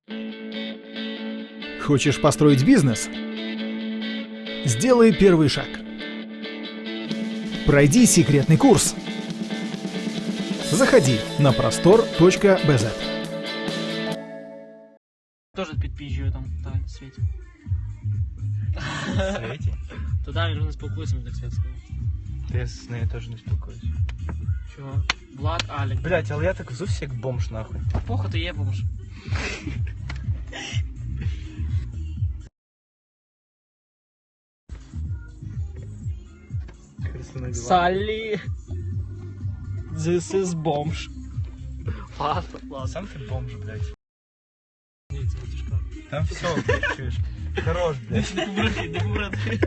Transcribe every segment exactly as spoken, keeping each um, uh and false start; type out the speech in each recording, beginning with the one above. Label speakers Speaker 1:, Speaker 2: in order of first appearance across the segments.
Speaker 1: Хочешь построить бизнес? Сделай первый шаг. Пройди секретный курс. Заходи на простор точка би зет.
Speaker 2: Тоже підпіжджую там, так, Світі.
Speaker 3: Світі?
Speaker 2: Туди він вже не спілкується, мені так Світ сказав.
Speaker 3: Я з нею теж не спілкуюсь.
Speaker 2: Чого? Влад, Алік.
Speaker 3: Блять, але я так взувся як бомж нахуй.
Speaker 2: Похуй, ти є бомж. Саллі. This is бомж. Ладно, ладно.
Speaker 3: Сам ти бомж, блять.
Speaker 2: Ні, це не тяжко.
Speaker 3: Там все, блять, чуєш. Хорош, блять.
Speaker 2: Не побрати, не побрати.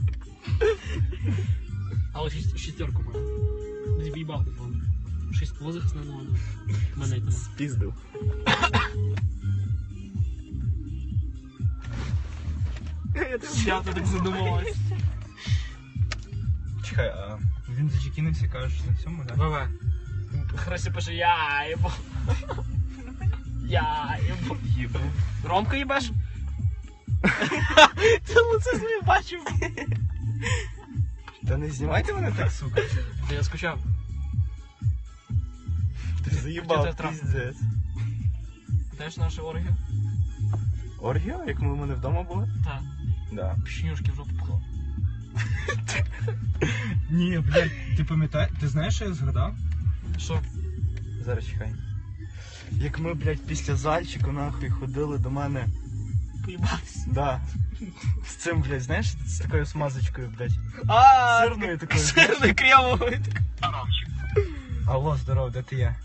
Speaker 2: Але шість- шістерку маю. Не зіб'їбав, не помню. Шість позих не надо. Мене там.
Speaker 3: Спіздив.
Speaker 2: Я тут так задумалась.
Speaker 3: Чекай, а він зачекінився, кажеш, на цьому, да?
Speaker 2: ВВ. Хресі пише, я їбу. Я їбу.
Speaker 3: Їбу.
Speaker 2: Ромка їбеш? Ти лице своє бачив.
Speaker 3: Та не знімайте мене так, сука.
Speaker 2: Та я скучав.
Speaker 3: Ти
Speaker 2: Хотів
Speaker 3: заїбав,
Speaker 2: тебе трахнути.
Speaker 3: піздець.
Speaker 2: Знаєш нашу оргію?
Speaker 3: Оргія, як ми у мене вдома були?
Speaker 2: Так.
Speaker 3: Да.
Speaker 2: Пішнюшки в жопу пхло.
Speaker 3: Ні, блядь, ти пам'ятаєш, ти знаєш, що я згадав?
Speaker 2: Що?
Speaker 3: Зараз чекай. Як ми, блядь, після зальчику нахуй ходили до мене.
Speaker 2: Поїбатися.
Speaker 3: Да. З цим, блядь, знаєш, з такою смазочкою, блядь.
Speaker 2: А,
Speaker 3: Сирною такою.
Speaker 2: сирною кремовою.
Speaker 3: Алло, здорово, де ти є?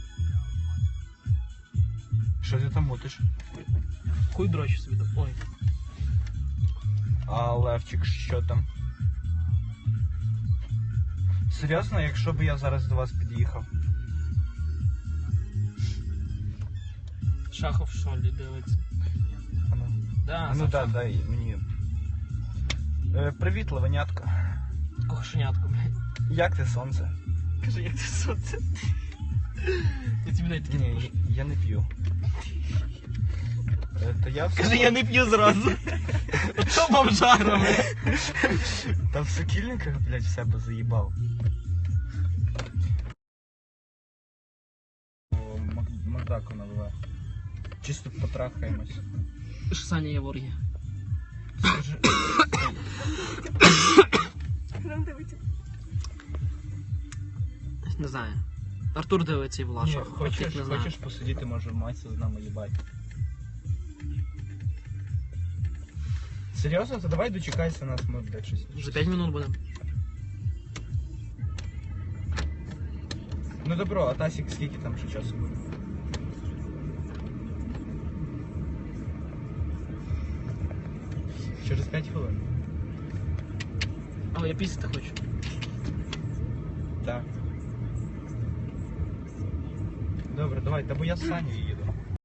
Speaker 3: Що ти там мутиш?
Speaker 2: Хуй дрочу собі там. Ой.
Speaker 3: А Левчик, що там? Серйозно, якщо б я зараз до вас під'їхав?
Speaker 2: Шахов в шолі дивиться.
Speaker 3: Ану,
Speaker 2: Да,
Speaker 3: ану
Speaker 2: сам
Speaker 3: да,
Speaker 2: Шахов.
Speaker 3: дай мені. Е, привіт, левенятка.
Speaker 2: Кошенятку, блядь.
Speaker 3: Як ти, сонце?
Speaker 2: Кажи, як ти сонце. Я тобі навіть таки не
Speaker 3: Ні,
Speaker 2: пишу.
Speaker 3: я не п'ю. Е, то я в
Speaker 2: Кажи, я не п'ю зразу. Ото бомжара, блядь.
Speaker 3: Та в сокільниках, блядь, в себе заїбав. О, Мак- Макдаку наливай. Чисто потрахаємось.
Speaker 2: Що Саня є в оргії?
Speaker 3: Скажи,
Speaker 2: Не знаю. Артур дивиться і Влад
Speaker 3: ні,
Speaker 2: Шахов.
Speaker 3: хочеш,
Speaker 2: Тих не знаю.
Speaker 3: хочеш посидіти, може в майці з нами їбать. Серйозно? То давай дочекайся нас, ми, блядь, щось.
Speaker 2: За п'ять минут будемо.
Speaker 3: Ну добро, а Тасік скільки там ще часу буде? Через п'ять хвилин.
Speaker 2: Але я пісяти хочу.
Speaker 3: Так. Добре, давай, та бо я з Саню їду.